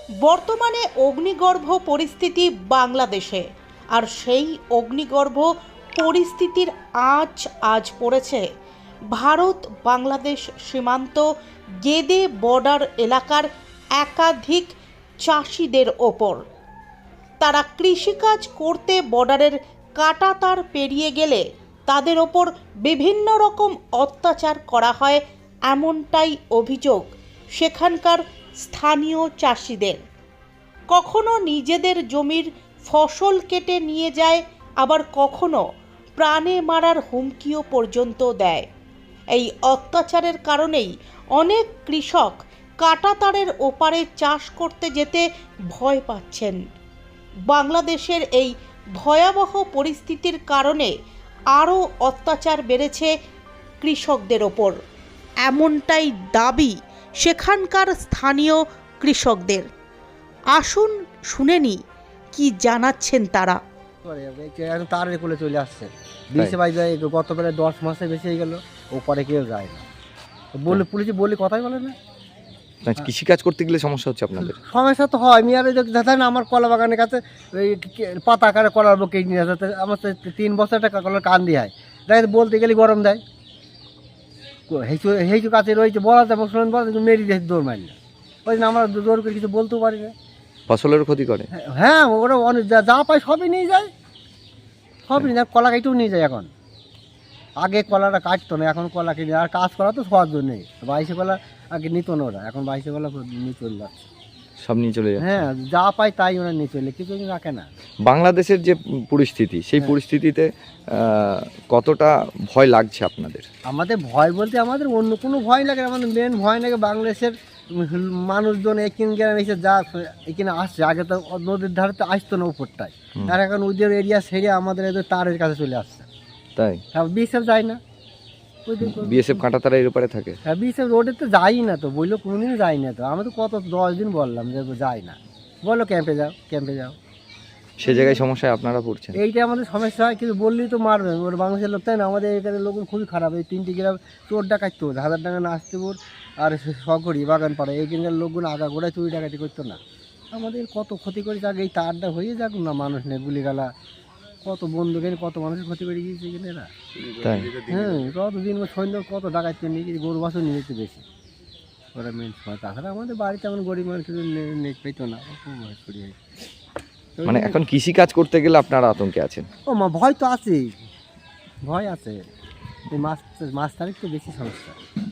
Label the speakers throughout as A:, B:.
A: বর্তমানে অগ্নিগর্ভ পরিস্থিতি বাংলাদেশে, আর সেই অগ্নিগর্ভ পরিস্থিতির আজ পড়েছে ভারত বাংলাদেশ সীমান্ত গেদে বর্ডার এলাকার একাধিক চাষিদের ওপর। তারা কৃষিকাজ করতে বর্ডারের কাঁটাতার পেরিয়ে গেলে তাদের ওপর বিভিন্ন রকম অত্যাচার করা হয়, এমনটাই অভিযোগ সেখানকার স্থানীয় চাষিদের। কখনো নিজেদের জমির ফসল কেটে নিয়ে যায়, আবার কখনো প্রাণে মারার হুমকিও পর্যন্ত দেয়। এই অত্যাচারের কারণেই অনেক কৃষক কাঁটাতারের ওপারে চাষ করতে যেতে ভয় পাচ্ছেন। বাংলাদেশের এই ভয়াবহ পরিস্থিতির কারণে আরও অত্যাচার বেড়েছে কৃষকদের ওপর, এমনটাই দাবি সেখানকার স্থানীয় কৃষকদের। আসুন শুনে নি কি জানাচ্ছেন তারা।
B: তারের কোলে চলে আসছে, বিশে বাই যায়, গত প্রায় 10 মাসে বেশি হয়ে গেল, ওপরে কেউ যায় না। বলে পুলিশে বলে কথাই বলে না।
C: কৃষিকাজ করতে গেলে সমস্যা হচ্ছে আপনাদের?
B: সমস্যা তো হয়। আমি আর দেখা না, আমার কলা বাগানের কাছে ওই পাতা আকারে কলার বুকে নিয়ে আসে, আমার তো 3 বছর টাকা কলার কান দিয়ে হয়, দেখা বলতে গেলে গরম দেয়। হেঁচু কাছে রয়েছে, বলা যাবে শুনুন, বলা মেরি দিয়ে দৌড় মারি না, ওই জন্য আমরা জোর করে কিছু বলতেও পারি না।
C: ফসলের ক্ষতি করে?
B: হ্যাঁ, ওরা অনেক যা পায় সবই নিয়ে যায়, সবই নিয়ে যায়। কলা কেটেও নিয়ে যায় এখন। আগে কলাটা কাটতো না, এখন কলা কিনে। আর কাজ করা তো সবার জন্যই। 22 কলা আগে নিত না ওরা, এখন 22 কলা নিয়ে চলে যাচ্ছে,
C: সব নিয়ে চলে যায়।
B: হ্যাঁ, যা পায় তাই ওরা নিয়ে চলে, কিছু রাখে না।
C: বাংলাদেশের যে পরিস্থিতি, সেই পরিস্থিতিতে কতটা ভয় লাগছে আপনাদের?
B: আমাদের ভয় বলতে আমাদের অন্য কোনো ভয় লাগে না, আমাদের মেন ভয় লাগে বাংলাদেশের মানুষজন এখানে গ্রামে এসে যা এখানে আসছে। আগে তো নদীর ধারে তো আসতো না উপরটায়, আর এখন ওদের এরিয়া সেরে আমাদের এদের তারের কাছে চলে আসছে।
C: তাই?
B: হ্যাঁ, বিএসএফ যায় না,
C: বিএসএফ কাঁটাতারা এর উপরে থাকে।
B: হ্যাঁ, বিএসএফ রোডে তো যাই না, তো বললো কোনোদিনও যাই না। তো আমি তো কত 10 দিন বললাম যে যাই না, বলো ক্যাম্পে যাও, ক্যাম্পে যাও।
C: সে জায়গায় সমস্যায় আপনারা পড়ছেন।
B: এইটা আমাদের সমস্যা হয়, কিন্তু বললেই তো মারবে ওর বাংলাদেশের লোক, তাই না? আমাদের এখানে লোক খুবই খারাপ। এই 3টি গ্রাম চোর ডাকাইত, হাজারডাঙ্গা নাচতেপুর আর সকরি বাগান পাড়া, এইখানকার লোকগুলো আগাগোড়ায় চুরি ডাকাতি করতো না। আমাদের কত ক্ষতি করে যাক, এই তারটা হয়ে যাক না, মানুষ নেই গুলিগালা, কত বন্ধু গেলে কত মানুষের ক্ষতি করে গিয়েছে এখানে এরা।
C: তাই?
B: হ্যাঁ, কত দিন সৈন্য কত ডাকাত করে নিয়ে গিয়েছে, গরু বাছুর নিয়ে যেতে বেশি ওরা মেন সময়। তাছাড়া আমাদের বাড়িতে এমন গরিব মানুষ নেট পেতো না, খুব ভয় করি।
C: মানে এখন কৃষিকাজ করতে গেলে আপনারা আতঙ্কে আছেন?
B: ও মা, ভয় তো আছেই, ভয় আছে। এই মাছ তারিখ তো বেশি সমস্যা,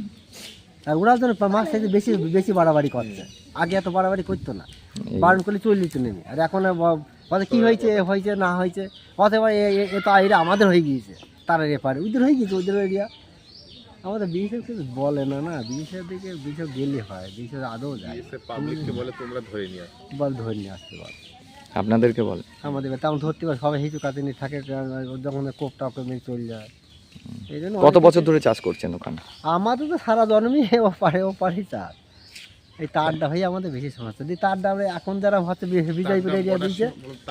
B: আর ওরা যেন মাছ থেকে বেশি বেশি বাড়াবাড়ি করছে। আগে এত বাড়াবাড়ি করতো না, বারণ করলে চলে যেত নেমে। আর এখন বলে কী হয়েছে, হয়েছে না হয়েছে, অথবা এ তো এরা আমাদের হয়ে গিয়েছে, তারা এপারে ওদের হয়ে গিয়েছে, ওদের এরিয়া। আমাদের বিএসএফ কিছু বলে না, না বিএসএফ দিকে বিএসএফ গেলে হয়, বিএসএফ আদৌ যায়,
D: বলে তোমরা ধরে নিয়ে আসো,
B: বল ধরে নিয়ে আসতে বল।
C: আপনাদেরকে বলে
B: আমাদের তেমন ধরতে পারে, সবাই হিচু কাছে নিয়ে থাকে, যখন কোপ টাপ মেরে চলে যায়। এই জন্য
C: কত বছর ধরে চাষ করছেন ওখানে? আমাদের
B: তো সারা জন্মই ওপারেই চাষ। এই তারটা হয়ে আমাদের বেশি সমস্যা। এই তারটা আমরা এখন যারা হচ্ছে বিজয়পুর এরিয়া দিয়েছে,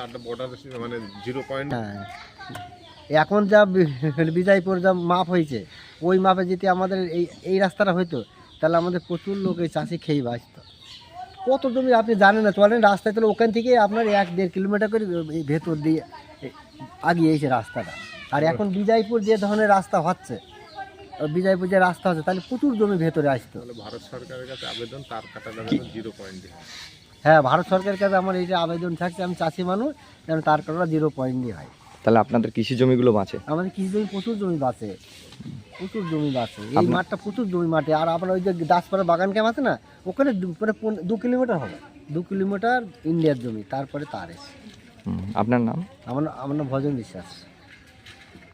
D: মানে 0 পয়েন্ট।
B: হ্যাঁ, এখন যা বিজয়পুর যা মাপ হয়েছে, ওই মাপে যদি আমাদের এই রাস্তাটা হইতো, তাহলে আমাদের প্রচুর লোক এই চাষি খেয়ে বাঁচত। কত জমি আপনি জানেন না, চলেন রাস্তায়, তাহলে ওখান থেকে আপনার 1-1.5 কিলোমিটার করে এই ভেতর দিয়ে আগিয়ে এসে রাস্তাটা। আর এখন বিজয়পুর যে ধরনের রাস্তা হচ্ছে, বিজয়পুর যে রাস্তা হচ্ছে, তাহলে প্রচুর জমি ভেতরে আসতো।
D: ভারত সরকারের কাছে আবেদন, তার কাটা 0 পয়েন্ট।
B: হ্যাঁ, ভারত সরকারের কাছে আমার এইটা আবেদন থাকছে, আমি চাষি মানুষ, যেন তার কাটা 0 পয়েন্ট দিয়ে হয়।
C: তাহলে আপনাদের কৃষি জমিগুলো বাঁচে?
B: আমাদের কৃষি জমি প্রচুর জমি বাঁচে, প্রচুর জমি বাঁচে। এই মাঠটা প্রচুর জমি মাঠে। আর আপনার ওই যে দাসপাড়া বাগান ক্যাম্প আছে না, ওখানে 2 কিলোমিটার হবে, 2 কিলোমিটার ইন্ডিয়ার জমি, তারপরে তার এসে।
C: আপনার নাম?
B: আমার নাম ভজন বিশ্বাস।